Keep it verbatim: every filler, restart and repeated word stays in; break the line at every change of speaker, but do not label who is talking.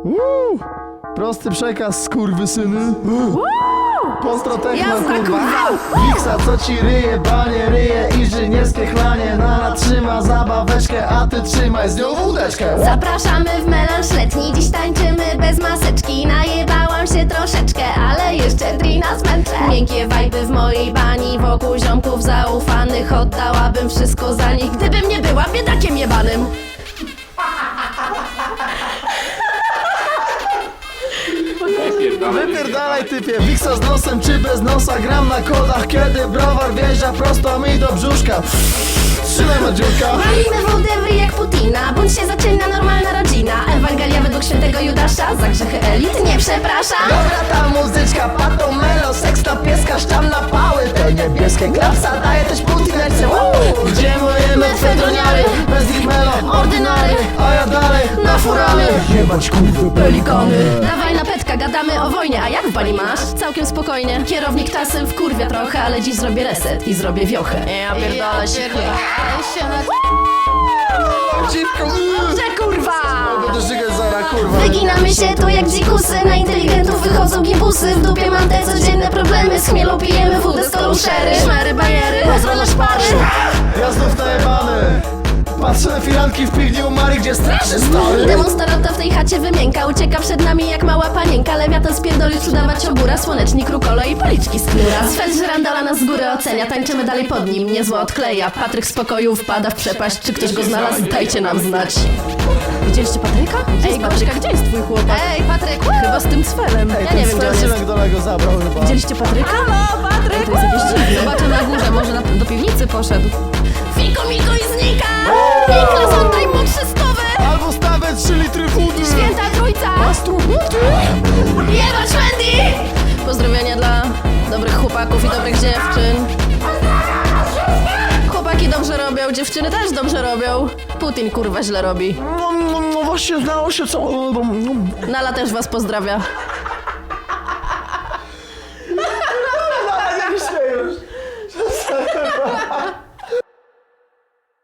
Uuu, prosty przekaz, skurwysyny. Pozdro techno,
Jazda,
kurwa.
kurwa.
Wiksa, co ci ryje, banie, ryje, inżynierskie chlanie. Nana trzyma zabaweczkę, a ty trzymaj z nią wódeczkę.
Zapraszamy w melanż letni, dziś tańczymy bez maseczki. Najebałam się troszeczkę, ale jeszcze drina zmęczę. Miękkie wajby w mojej bani, wokół ziomków zaufanych. Oddałabym wszystko za nich, gdybym nie była biedakiem jebanym.
Wypierdalaj typie, Wiksa z nosem czy bez nosa. Gram na kodach, kiedy browar wjeżdża prosto mi do brzuszka. Trzymaj Madziurka.
Walimy wodę w ryj jak Putina, bądź się zaczyna normalna rodzina. Ewangelia według świętego Judasza, za grzechy elit nie przeprasza.
Dobra ta muzyczka, pato melo, seks na pieska, szczam na pały. Te niebieskie klapsa daje też Putinerce. Gdzie moje metfedroniary, bez ich melo, ordynary. A ja dalej na furany. Jebać kurwy pelikany.
Dawaj na petka, gadamy o wojnie, a jak w bani masz? Całkiem spokojnie. Kierownik czasem wkurwia trochę, ale dziś zrobię reset i zrobię wiochę. Ja pierdolę się,
Dziwko,
Że kurwa!
będę żygać zara, kurwa.
Wyginamy się tu jak dzikusy, na inteligentów wychodzą gimbusy. W dupie mam te codzienne problemy, z chmielu pijemy wódę, stolu szery. Szmery, bajery, pozdro na szpary.
Ja znów najebany. Patrzę na firanki w piwni u Mary, gdzie straszy stary.
Demonstranta w tej chacie wymięka, ucieka przed nami jak mała panienka. Lewiatan spierdolić, udawać obura, słonecznik, rukolo i policzki z knura. Sfel żerandola nas z góry ocenia, tańczymy dalej pod nim, niezło odkleja. Patryk z pokoju wpada w przepaść, czy ktoś go znalazł? Dajcie nam znać. Widzieliście Patryka? Ej, Patryka, gdzie jest twój chłopak? Ej, Patryk! Chyba z tym Sfelem. Ja nie wiem, gdzie on jest.
go zabrał chyba.
Widzieliście Patryka? Halo, Patryk! To jest jakieś dziwne. Zobaczę na górze, może na, do piwnicy poszedł. Fiko, miko i znika! Niklas, oddaj mu trzystowy!
Albo stawę trzy litry wody.
Święta Trójca! Jebać Wendy! Pozdrowienia dla dobrych chłopaków i dobrych dziewczyn. Chłopaki dobrze robią, dziewczyny też dobrze robią. Putin kurwa źle robi.
No, no, no właśnie znało się co...
Nala też was pozdrawia.